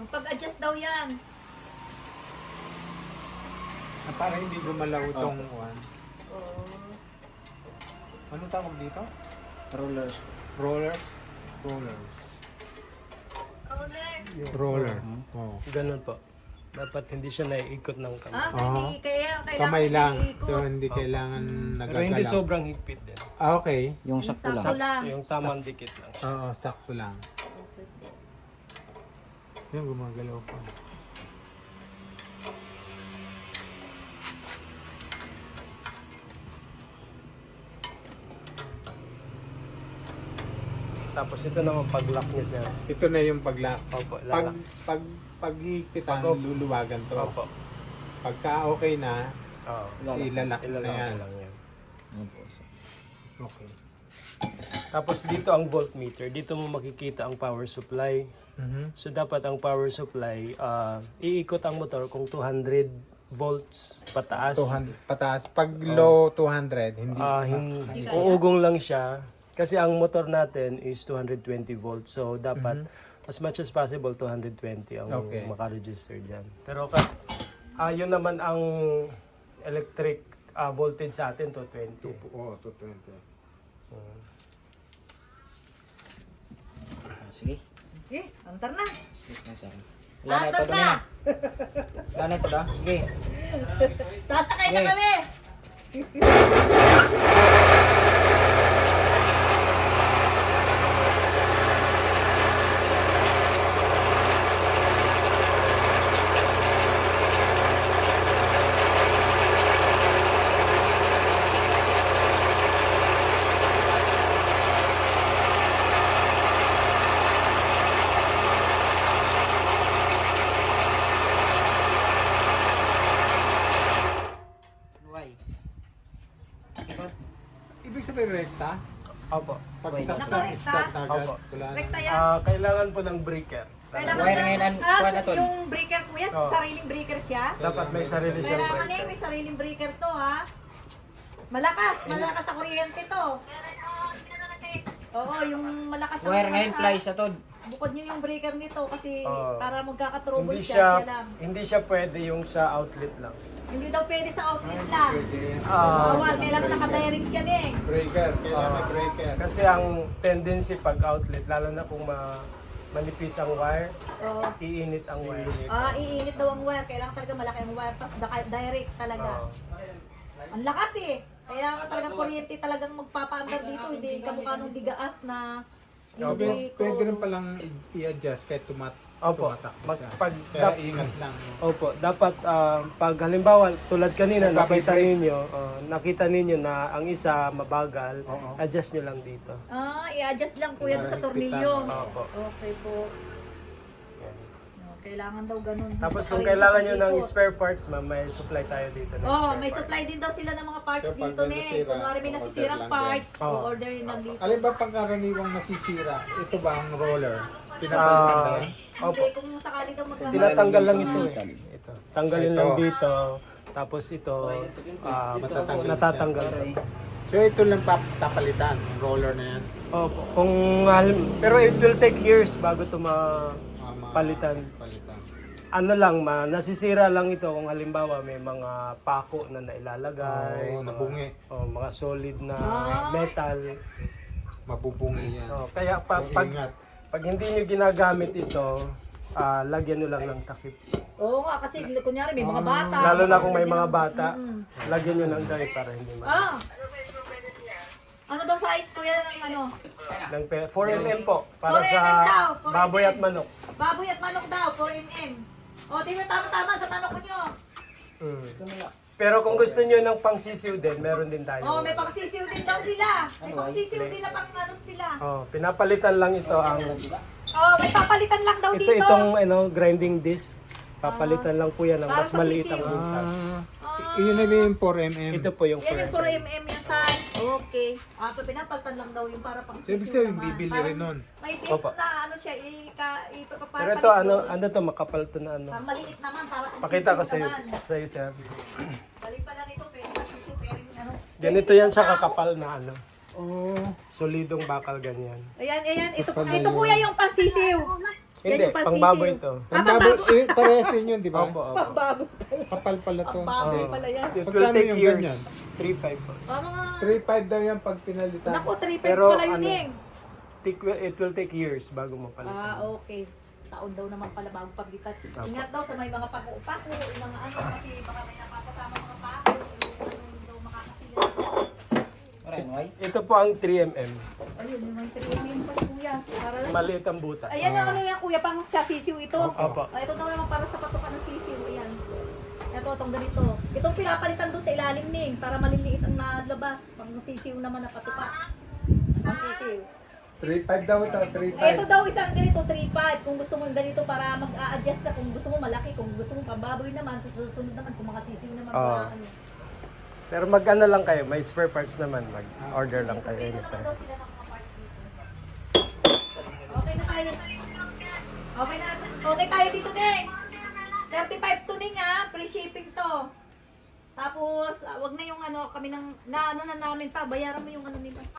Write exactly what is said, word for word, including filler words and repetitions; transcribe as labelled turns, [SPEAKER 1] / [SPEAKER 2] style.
[SPEAKER 1] Pag-adjust daw yan.
[SPEAKER 2] Ah, para hindi gumalaw itong one.
[SPEAKER 1] Oo.
[SPEAKER 2] Anong tawag dito?
[SPEAKER 3] Rollers.
[SPEAKER 2] Rollers? Rollers.
[SPEAKER 1] Roller.
[SPEAKER 2] Roller.
[SPEAKER 3] Mhm.
[SPEAKER 2] Oh.
[SPEAKER 4] Ganun po. Dapat hindi siya naiikot ng kamay.
[SPEAKER 1] Ah,
[SPEAKER 2] Oo.
[SPEAKER 1] hindi. Kaya kailangan
[SPEAKER 2] Kamay lang.
[SPEAKER 1] iikot.
[SPEAKER 2] So, hindi kailangan
[SPEAKER 4] Pero hindi
[SPEAKER 2] nagagalaw.
[SPEAKER 4] sobrang higpit din.
[SPEAKER 2] Ah, okay.
[SPEAKER 3] Yung
[SPEAKER 1] Yung
[SPEAKER 3] sakto
[SPEAKER 1] sakto
[SPEAKER 3] lang.
[SPEAKER 1] lang.
[SPEAKER 4] Yung tamang dikit lang siya.
[SPEAKER 2] Oo, sakto lang. Yung gumagalaw pa.
[SPEAKER 4] Tapos ito naman pag-lock niya sir.
[SPEAKER 2] Ito na yung paglock.
[SPEAKER 4] Opo,
[SPEAKER 2] Pag,
[SPEAKER 4] lalak.
[SPEAKER 2] pag, paghihigpitan,
[SPEAKER 4] Pag-
[SPEAKER 2] luluwagan to.
[SPEAKER 4] Opo.
[SPEAKER 2] Pagka okay na,
[SPEAKER 4] Oo.
[SPEAKER 2] ilalak na
[SPEAKER 4] Ilalak
[SPEAKER 2] yan.
[SPEAKER 4] lang yan.
[SPEAKER 3] Yan po, sir.
[SPEAKER 2] Okay.
[SPEAKER 4] Tapos dito ang voltmeter. Dito mo makikita ang power supply.
[SPEAKER 2] Mhm.
[SPEAKER 4] So dapat ang power supply, ah, iikot ang motor kung two hundred volts pataas.
[SPEAKER 2] two hundred, pataas. Pag low two hundred, hindi.
[SPEAKER 4] Ah, hin- uugong lang siya. Kasi ang motor natin is two hundred twenty volts. So dapat as much as possible two hundred twenty ang
[SPEAKER 2] Okay.
[SPEAKER 4] makaregister dyan. Pero kas ah yun naman ang electric ah, voltage sa atin two twenty.
[SPEAKER 2] Oo, two twenty.
[SPEAKER 3] Ah, sige.
[SPEAKER 1] Eh, antar na.
[SPEAKER 3] Sige na, sir. Wala na ito,
[SPEAKER 1] Antar
[SPEAKER 3] dumi
[SPEAKER 1] na.
[SPEAKER 3] na. Wala na ito, da. Sige.
[SPEAKER 1] Sasakay na
[SPEAKER 3] Okay.
[SPEAKER 1] kami.
[SPEAKER 3] Why?
[SPEAKER 2] Ibig sabihin rekta?
[SPEAKER 4] Opo.
[SPEAKER 2] Pag
[SPEAKER 3] Wait.
[SPEAKER 2] sa
[SPEAKER 1] Nakarekta?
[SPEAKER 2] start agad,
[SPEAKER 4] Opo.
[SPEAKER 2] wala na.
[SPEAKER 1] Rekta yan.
[SPEAKER 4] Ah, kailangan po ng breaker.
[SPEAKER 1] Kailangan
[SPEAKER 3] Wire
[SPEAKER 1] na-
[SPEAKER 3] ngayon, an-
[SPEAKER 1] ah,
[SPEAKER 3] kuha na to.
[SPEAKER 1] yung breaker kuya,
[SPEAKER 4] Oo.
[SPEAKER 1] sariling breaker siya.
[SPEAKER 4] Dapat may sarili siyang
[SPEAKER 1] Kailangan eh,
[SPEAKER 4] breaker.
[SPEAKER 1] may sariling breaker to ha. Malakas, malakas sa kuryente to. Oo, yung malakas sa
[SPEAKER 3] Wire ngayon,
[SPEAKER 1] sa-
[SPEAKER 3] fly sa to.
[SPEAKER 1] Bukod nyo yung breaker nito kasi
[SPEAKER 4] Oo.
[SPEAKER 1] para magkakatrouble
[SPEAKER 4] Hindi
[SPEAKER 1] siya,
[SPEAKER 4] siya
[SPEAKER 1] siya lang.
[SPEAKER 4] hindi siya pwede yung sa outlet lang.
[SPEAKER 1] Hindi daw pwede sa outlet lang.
[SPEAKER 4] Ah,
[SPEAKER 1] Bawal, kailangan nakadirect yan eh.
[SPEAKER 2] Breaker, kailangan may
[SPEAKER 4] Ah.
[SPEAKER 2] breaker.
[SPEAKER 4] kasi ang tendency pag outlet, lalo na kung ma manipis ang wire,
[SPEAKER 1] Oo.
[SPEAKER 4] iinit ang wire.
[SPEAKER 1] Ah, iinit daw ang wire. Kailangan talaga malaki ang wire. Tapos daka- direct talaga.
[SPEAKER 4] Oo.
[SPEAKER 1] Ang lakas eh. Kailangan talagang kuryente talagang magpapaandar dito. Hindi kamukha nung digaas na
[SPEAKER 2] Pwede,
[SPEAKER 1] hindi ko...
[SPEAKER 2] pwede rin palang i- i-adjust kahit tumat
[SPEAKER 4] Opo.
[SPEAKER 2] tumatakbo
[SPEAKER 4] Mag,
[SPEAKER 2] siya.
[SPEAKER 4] pag,
[SPEAKER 2] Kaya
[SPEAKER 4] dap-
[SPEAKER 2] ingat lang. no?
[SPEAKER 4] Opo, dapat ah, pag halimbawa tulad kanina nakita
[SPEAKER 2] Nagpapibrake.
[SPEAKER 4] ninyo, oh, nakita ninyo na ang isa mabagal,
[SPEAKER 2] Oo.
[SPEAKER 4] adjust nyo lang dito.
[SPEAKER 1] Ah, i-adjust lang kuya doon sa
[SPEAKER 2] Higpitan.
[SPEAKER 1] tornilyo.
[SPEAKER 4] Opo.
[SPEAKER 1] Okay po. No, kailangan daw ganun.
[SPEAKER 4] Tapos kung
[SPEAKER 1] Sarili
[SPEAKER 4] kailangan
[SPEAKER 1] sa
[SPEAKER 4] nyo ng
[SPEAKER 1] likod.
[SPEAKER 4] spare parts, ma'am, may supply tayo dito ng
[SPEAKER 1] Oh,
[SPEAKER 4] spare
[SPEAKER 1] may
[SPEAKER 4] parts.
[SPEAKER 1] supply din daw sila ng mga parts
[SPEAKER 2] So, pag
[SPEAKER 1] dito
[SPEAKER 2] may
[SPEAKER 1] ne.
[SPEAKER 2] nasira,
[SPEAKER 1] Kunwari may
[SPEAKER 2] order
[SPEAKER 1] nasisirang
[SPEAKER 2] lang
[SPEAKER 1] parts,
[SPEAKER 4] din. Oh.
[SPEAKER 1] order din lang dito.
[SPEAKER 2] Alin ba pagkaraniwang nasisira? Ito ba ang roller? Pinapalitan ba
[SPEAKER 4] Ah,
[SPEAKER 2] yan?
[SPEAKER 4] opo.
[SPEAKER 1] Hindi, kung sakali daw magkakaroon.
[SPEAKER 4] Tinatanggal lang ito eh. Ito. Tanggalin
[SPEAKER 2] Ito.
[SPEAKER 4] lang dito. Tapos ito, ah,
[SPEAKER 2] Matatanggal
[SPEAKER 4] natatanggal.
[SPEAKER 2] So ito lang papalitan, yung roller na yan.
[SPEAKER 4] Opo. Kung, halim- pero it will take years bago ito ma...
[SPEAKER 2] Ah, ma-
[SPEAKER 4] Palitan.
[SPEAKER 2] Palitan.
[SPEAKER 4] Ano lang, ma, nasisira lang ito kung halimbawa may mga pako na nailalagay.
[SPEAKER 2] Oo,
[SPEAKER 4] mga,
[SPEAKER 2] nabungi.
[SPEAKER 4] oh, mga solid na
[SPEAKER 1] Ah.
[SPEAKER 4] metal.
[SPEAKER 2] Mabubungi yan.
[SPEAKER 4] Oh, kaya pa,
[SPEAKER 2] So,
[SPEAKER 4] pag,
[SPEAKER 2] ingat.
[SPEAKER 4] pag hindi nyo ginagamit ito, ah, lagyan nyo lang ng takip.
[SPEAKER 1] Oo nga, kasi kunyari may mga bata.
[SPEAKER 4] Lalo na kung may mga bata, lagyan nyo ng dye para hindi ma...
[SPEAKER 1] Ah! Ano daw size kuya ng ano?
[SPEAKER 4] Ng pe- four millimeter po, para
[SPEAKER 1] four
[SPEAKER 4] sa
[SPEAKER 1] millimeter daw, four
[SPEAKER 4] baboy at
[SPEAKER 1] millimeter.
[SPEAKER 4] manok.
[SPEAKER 1] Baboy at manok daw, four millimeter. O, di ba tama-tama sa manok nyo?
[SPEAKER 4] Mm. Pero kung gusto nyo ng pangsisiw din, meron din tayo.
[SPEAKER 1] Oh, may pangsisiw din daw sila. May pangsisiw din na pang ano sila.
[SPEAKER 4] Oh, pinapalitan lang ito ang...
[SPEAKER 1] Oh, may papalitan lang daw
[SPEAKER 4] Ito
[SPEAKER 1] dito.
[SPEAKER 4] itong ano, grinding disc. Papalitan lang po yan ng
[SPEAKER 1] Para
[SPEAKER 4] mas
[SPEAKER 1] sa
[SPEAKER 4] maliit ang
[SPEAKER 1] sisiw.
[SPEAKER 4] butas.
[SPEAKER 2] Ah, yun na yung four millimeter.
[SPEAKER 4] Ito po yung
[SPEAKER 1] Yan yung four
[SPEAKER 4] forever.
[SPEAKER 1] millimeter yung size. Okay. Ah, so pinapalitan lang daw yung para pang
[SPEAKER 2] So, ibig
[SPEAKER 1] sisiw
[SPEAKER 2] sabihin,
[SPEAKER 1] naman.
[SPEAKER 2] bibili
[SPEAKER 1] Parang
[SPEAKER 2] rin nun.
[SPEAKER 1] May piece
[SPEAKER 4] Opo.
[SPEAKER 1] na ano siya, ika, ipapapalit.
[SPEAKER 4] Pero ito ano, ano to, makapal to na ano.
[SPEAKER 1] Ang maliit naman para pang
[SPEAKER 4] Pakita ko
[SPEAKER 1] sisiw
[SPEAKER 4] sa iyo,
[SPEAKER 1] naman.
[SPEAKER 4] sa iyo, sir.
[SPEAKER 1] Balik pala nito, pwede pang sisiw, pero ano.
[SPEAKER 4] Ganito yan siya kakapal na ano.
[SPEAKER 2] Oh,
[SPEAKER 4] Solidong bakal ganyan.
[SPEAKER 1] Ayan, ayan, ito, ito kuya yung pansisiw.
[SPEAKER 4] Hindi,
[SPEAKER 1] Yan yung
[SPEAKER 4] pangbaboy
[SPEAKER 1] pansisiw.
[SPEAKER 4] ito.
[SPEAKER 1] Ah,
[SPEAKER 2] Ang babo,
[SPEAKER 1] pambaboy.
[SPEAKER 2] eh, parehas din yun, di ba?
[SPEAKER 4] Opo, opo.
[SPEAKER 1] Pambaboy.
[SPEAKER 2] Kapal pala to.
[SPEAKER 1] Ang baboy
[SPEAKER 4] Oo.
[SPEAKER 1] pala yan.
[SPEAKER 4] It will
[SPEAKER 2] Magkano
[SPEAKER 4] take
[SPEAKER 2] yung
[SPEAKER 4] years.
[SPEAKER 2] ganyan?
[SPEAKER 4] three five po.
[SPEAKER 1] Ah, mga...
[SPEAKER 2] three five daw yan pag pinalitan.
[SPEAKER 1] Naku, three
[SPEAKER 4] Pero
[SPEAKER 1] pala yun
[SPEAKER 4] ano,
[SPEAKER 1] eh.
[SPEAKER 4] Take- It will take years bago mo
[SPEAKER 1] Ah,
[SPEAKER 4] palitan.
[SPEAKER 1] okay. Taon daw naman pala bago paglitan. Ingat daw sa may mga pako-pako, yung mga ano, kasi baka may napapasama mga pako, yung ano daw makakasila.
[SPEAKER 3] Aray, why?
[SPEAKER 4] Ito po ang three millimeter.
[SPEAKER 1] Ayun, yung mga sariling pa kuya. Para lang.
[SPEAKER 4] Maliit ang butas.
[SPEAKER 1] Ayan ang ano yan kuya, pang sa sisiw ito.
[SPEAKER 4] Opo.
[SPEAKER 1] Ah, ito daw naman para sa patukan ng sisiw. Ayan. Ito, itong ganito. Itong pinapalitan doon sa ilalim ning para maliliit ang nalabas. Pang sisiw naman na patuka. Pang sisiw.
[SPEAKER 2] three five daw ito, three
[SPEAKER 1] Eh,
[SPEAKER 2] five.
[SPEAKER 1] ito daw isang ganito, three five. Kung gusto mo ganito para mag-a-adjust ka. Kung gusto mo malaki, kung gusto mo pambaboy naman, kung susunod naman, kung makasisiw naman.
[SPEAKER 4] Ah.
[SPEAKER 1] mga ano.
[SPEAKER 4] Pero mag-ano lang kayo, may spare parts naman. Mag-order lang kayo
[SPEAKER 1] Dito naman
[SPEAKER 4] anytime.
[SPEAKER 1] daw sila ng mga parts dito. Okay na tayo. Okay na. Okay tayo dito, Ding. thirty-five to Ding ha. Free shipping to. Tapos, ah, wag na yung ano, kami nang, na ano na namin pa. Bayaran mo yung ano nila.